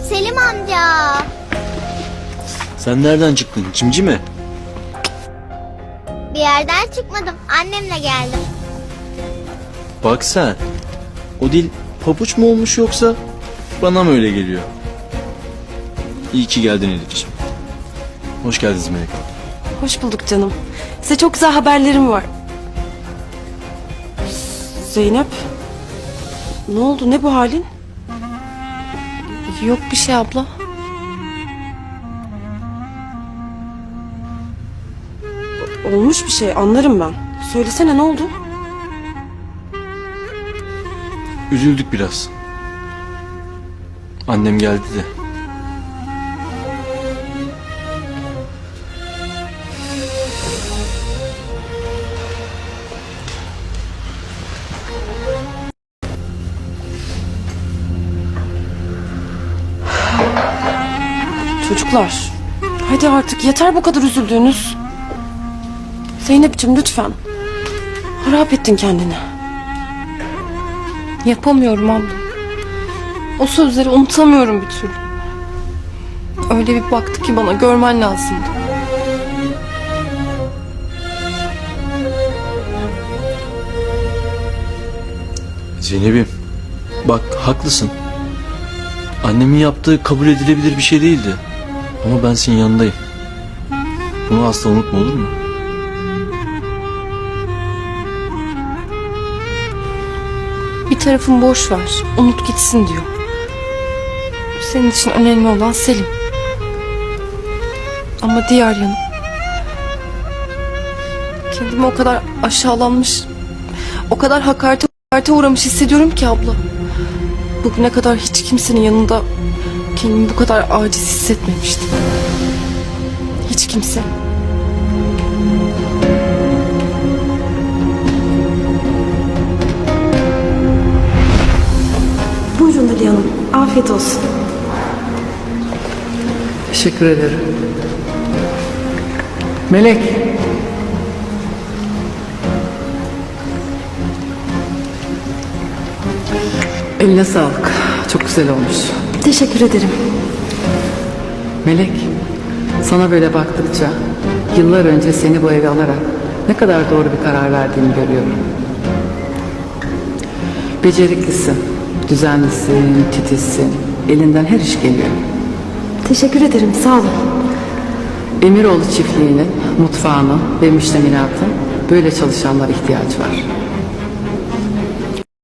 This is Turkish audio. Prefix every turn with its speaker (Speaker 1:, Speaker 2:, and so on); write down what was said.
Speaker 1: Selim amca.
Speaker 2: Sen nereden çıktın? Cimci mi?
Speaker 1: Bir yerden çıkmadım. Annemle geldim.
Speaker 2: Bak sen. O dil pabuç mu olmuş yoksa bana mı öyle geliyor? İyi ki geldin Elif'ciğim. Hoş geldiniz Melek.
Speaker 3: Hoş bulduk canım. Size çok güzel haberlerim var. Zeynep. Ne oldu? Ne bu halin? Yok bir şey abla. Olmuş bir şey, anlarım ben. Söylesene, ne oldu?
Speaker 2: Üzüldük biraz. Annem geldi de.
Speaker 3: Çocuklar, hadi artık yeter bu kadar üzüldüğünüz. Zeynep'ciğim lütfen. Harap ettin kendini. Yapamıyorum abla. O sözleri unutamıyorum bir türlü. Öyle bir baktı ki bana, görmen lazımdı.
Speaker 2: Zeynep'im, bak haklısın. Annemin yaptığı kabul edilebilir bir şey değildi. Ama ben senin yanındayım. Bunu asla unutma, olur mu?
Speaker 3: Bir tarafın boş ver, unut gitsin diyor. Senin için önemli olan Selim. Ama diğer yanım, kendimi o kadar aşağılanmış, o kadar hakarete uğramış hissediyorum ki abla. Bugüne kadar hiç kimsenin yanında kendimi bu kadar aciz hissetmemiştim. Hiç kimse. Buyurun Ali Hanım, afiyet olsun.
Speaker 4: Teşekkür ederim. Melek. Eline sağlık. Çok güzel olmuş.
Speaker 3: Teşekkür ederim.
Speaker 4: Melek, sana böyle baktıkça yıllar önce seni bu eve alarak ne kadar doğru bir karar verdiğini görüyorum. Beceriklisin, düzenlisin, titizsin. Elinden her iş geliyor.
Speaker 3: Teşekkür ederim, sağ olun.
Speaker 4: Emiroğlu çiftliğinin, mutfağının ve müştemilatın böyle çalışanlara ihtiyaç var.